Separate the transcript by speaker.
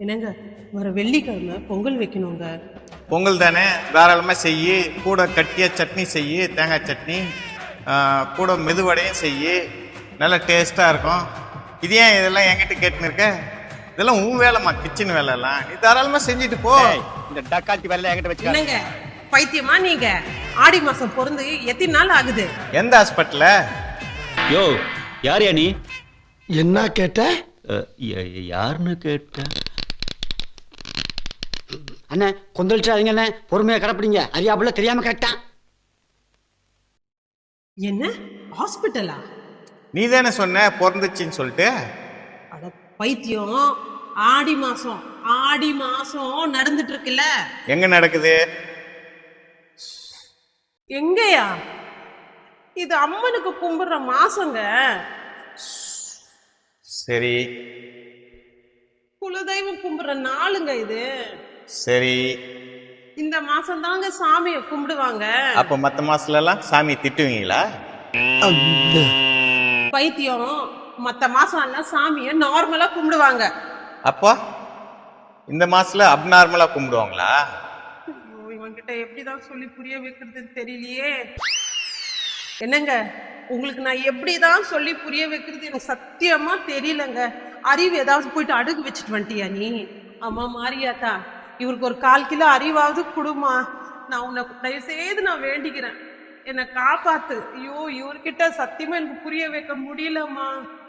Speaker 1: என்னங்க வர வெள்ளிக்கிழமை பொங்கல் வைக்கணுங்க.
Speaker 2: பொங்கல் தானே, தாராளமாக செய்யி. கூட கட்டிய சட்னி செய்யி, தேங்காய் சட்னி. கூட மெதுவடையும் செய்யி, நல்லா டேஸ்ட்டாக இருக்கும். இது ஏன் இதெல்லாம் என்கிட்ட கேட்டுன்னு இருக்க? இதெல்லாம் உன் வேலைம்மா, கிச்சன் வேலைலாம். நீ தாராளமாக செஞ்சுட்டு போ.
Speaker 3: இந்த டக்காத்தி வேலை என்கிட்ட வச்சு
Speaker 1: என்னங்க பைத்தியமா நீங்க? ஆடி மாசம் பிறந்து எத்தனை நாள் ஆகுது?
Speaker 2: எந்த ஹாஸ்பிட்டல்ல?
Speaker 4: யோ யார் நீ?
Speaker 5: என்ன கேட்ட?
Speaker 4: யாருன்னு கேட்ட?
Speaker 3: அண்ணே கொந்தளிச்சாதீங்க அண்ணே, பொறுமையா கடப்பிடிங்க. அறியாப்புல தெரியாம கேட்டான்.
Speaker 1: என்ன ஹாஸ்பிட்டலா?
Speaker 2: நீ தானே சொன்ன பிறந்துச்சின்னு சொல்லிட்டு.
Speaker 1: அட பைத்தியம், ஆடி மாசம் நடந்துட்டு இருக்குல்ல.
Speaker 2: எங்க நடக்குது?
Speaker 1: எங்கயா? இது அம்மனுக்கு கும்பிடுற மாசங்க.
Speaker 2: சரி
Speaker 1: குலதெய்வம் கும்பிடுற நாளுங்க இது.
Speaker 2: சரி,
Speaker 1: இந்த மாசம் தாங்க சாமியை கும்பிடுவாங்க.
Speaker 2: அப்ப மத்த மாசத்துல எல்லாம் சாமி திட்டுவீங்களா?
Speaker 1: பைத்தியம், மத்த மாசம் எல்லாம் சாமியை நார்மலா கும்பிடுவாங்க.
Speaker 2: அப்போ இந்த மாசத்துல அப்நார்மலா கும்பிடுவாங்களா?
Speaker 1: ஐயோ, இவன்கிட்ட எப்படிதான் சொல்லி புரிய வைக்கிறதுன்னு தெரியலையே. என்னங்க உங்களுக்கு நான் எப்படிதான் சொல்லி புரிய வைக்கிறது எனக்கு சத்தியமா தெரியலங்க. அறிவு ஏதாவது போயிட்டு அடுக்கு வச்சுட்டு வந்துட்டியா நீ? ஆமா மாரியாத்தா, இவருக்கு ஒரு 1/4 கிலோ அறிவாவது கொடுமா. நான் உன்னை தயவு செய்து நான் வேண்டிக்கிறேன், என்னை காப்பாத்து. ஐயோ, இவர்கிட்ட சத்தியமா எனக்கு புரிய வைக்க முடியலம்மா.